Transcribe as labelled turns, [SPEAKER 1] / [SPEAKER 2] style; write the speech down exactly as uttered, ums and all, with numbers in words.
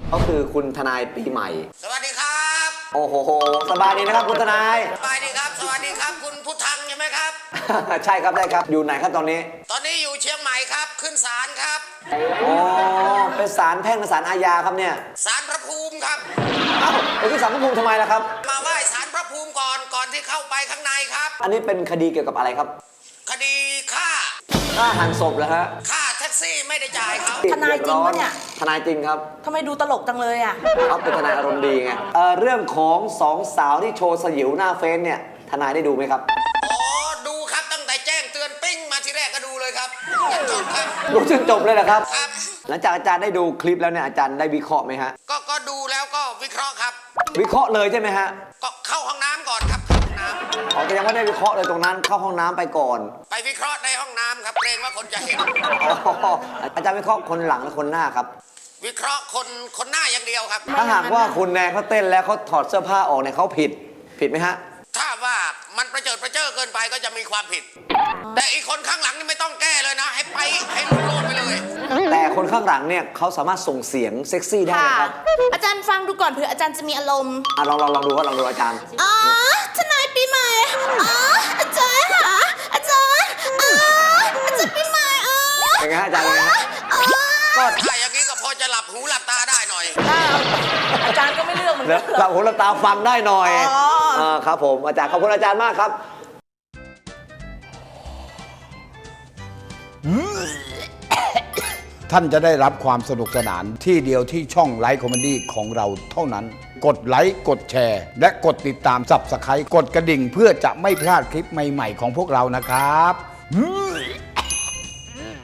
[SPEAKER 1] ก็คือคุณทนายปีใหม่
[SPEAKER 2] สวัสดีครับ
[SPEAKER 1] โอ้โหสบายดีนะครับคุณทนาย
[SPEAKER 2] สบายดีครับ สวัสดีครับ คุณพุทธังใช่ไหมครับ
[SPEAKER 1] ใช่ครับได้ครับอยู่ไหนครับตอนนี้
[SPEAKER 2] ตอนนี้อยู่เชียงใหม่ครับ ขึ้นศาลครับ
[SPEAKER 1] อ๋อเป็นศาลแพ่งกับศาลอาญาครับเนี่ย
[SPEAKER 2] ศาลพระภูมิครับ
[SPEAKER 1] เอ้าไปที่ศาลพระภูมิทำไมล่ะครับ
[SPEAKER 2] มาไหว้ศาลพระภูมิก่อน ก่อนที่เข้าไปข้างในครับ
[SPEAKER 1] อันนี้เป็นคดีเกี่ยวกับอะไรครับ
[SPEAKER 2] คดีฆ่า
[SPEAKER 1] ฆ่าหันศพเหรอฮะ
[SPEAKER 2] ฆ่าแท็กซี่ไม่ได้จ่ายครับ
[SPEAKER 3] ทนายจริงปะเนี่ย
[SPEAKER 1] ทนายจริงครับ
[SPEAKER 3] ทำไมดูตลกจังเลยอ่ะ
[SPEAKER 1] เขาเป็นทนายอารมณ์ดีไงเอ่อเรื่องของสองสาวที่โชว์สยิวหน้าเฟซเนี่ยทนายได้ดูไหมครับ
[SPEAKER 2] อ๋อ ดูครับตั้งแต่แจ้งเตือนปิ้งมาทีแรกก็ดูเลยครับจนจบครับ
[SPEAKER 1] ดูจนจบเลยเหรอครับ
[SPEAKER 2] ครับ
[SPEAKER 1] หลังจากอาจารย์ได้ดูคลิปแล้วเนี่ยอาจารย์ได้วิเคราะห์ไหมฮะ
[SPEAKER 2] ก็ก็ดูแล้วก็วิเคราะห์ครับ
[SPEAKER 1] วิเคราะห์เลยใช่ไหมฮะ
[SPEAKER 2] ก็เข้าห้องน้ำก่อนครับเข้าห้องน้
[SPEAKER 1] อ๋อแต่ยังไม่ได้วิเคราะห์เลยตรงนั้นเข้าห้องน้ำไปก่อน
[SPEAKER 2] ำไปวิเคราะห์ในห้องน้ำครับเกรงว่าคนจะเห็น
[SPEAKER 1] อ๋ออาจารย์วิเคราะห์คนหลังและคนหน้าครับ
[SPEAKER 2] วิเคราะห์คนคนหน้าอย่างเดียวครับ
[SPEAKER 1] ถ้าหากว่าคุณแนนเขาเต้นแล้วเขาถอดเสื้อผ้าออกเนี่ยเขาผิดผิดไหมฮะ
[SPEAKER 2] ถ้าว่ามันประเจิดประเจ้อเกินไปก็จะมีความผิด แต่อีกคนข้างหลังนี่ไม่ต้องแก้เลยนะ ให้ไปให้ลุโลดไปเลย
[SPEAKER 1] แต่คนข้างหลังเนี่ยเขาสามารถส่งเสียงเซ็กซี่ได้
[SPEAKER 3] ค่ะ
[SPEAKER 1] นะครับ
[SPEAKER 3] อาจารย์ฟังดูก่อนเผื่ออาจารย์จะมีอารมณ์
[SPEAKER 1] อ่ะลองลองลองดูครับลองดูอาจารย์
[SPEAKER 3] อ๋อ ทนายปีใหม่ อ๋อ อาจารย์ค่ะอาจารย์อ๋ออาจารย์ปีใหม่อ๋อ
[SPEAKER 1] เป็นไงฮะอาจารย์เป็นไงฮะ
[SPEAKER 3] อ๋อ
[SPEAKER 1] ก็
[SPEAKER 2] ถ้าอย่างนี้ก็พอจะหลับหูหลับตาได้หน่อย
[SPEAKER 3] อาจารย์ก็ไม่เลือกเหมือน
[SPEAKER 1] แล้
[SPEAKER 3] กั
[SPEAKER 1] วน เราหูเราตาฟังได้หน่อย
[SPEAKER 3] อ๋อ
[SPEAKER 1] เออครับผมอาจารย์ขอบคุณอาจารย์มากครับ
[SPEAKER 4] ท่านจะได้รับความสนุกสนานที่เดียวที่ช่องไลฟ์คอมเมดี้ของเราเท่านั้น กดไลค์กดแชร์ และกดติดตามสับสไครต์กดกระดิ่งเพื่อจะไม่พลาดคลิปใหม่ๆของพวกเรานะครับ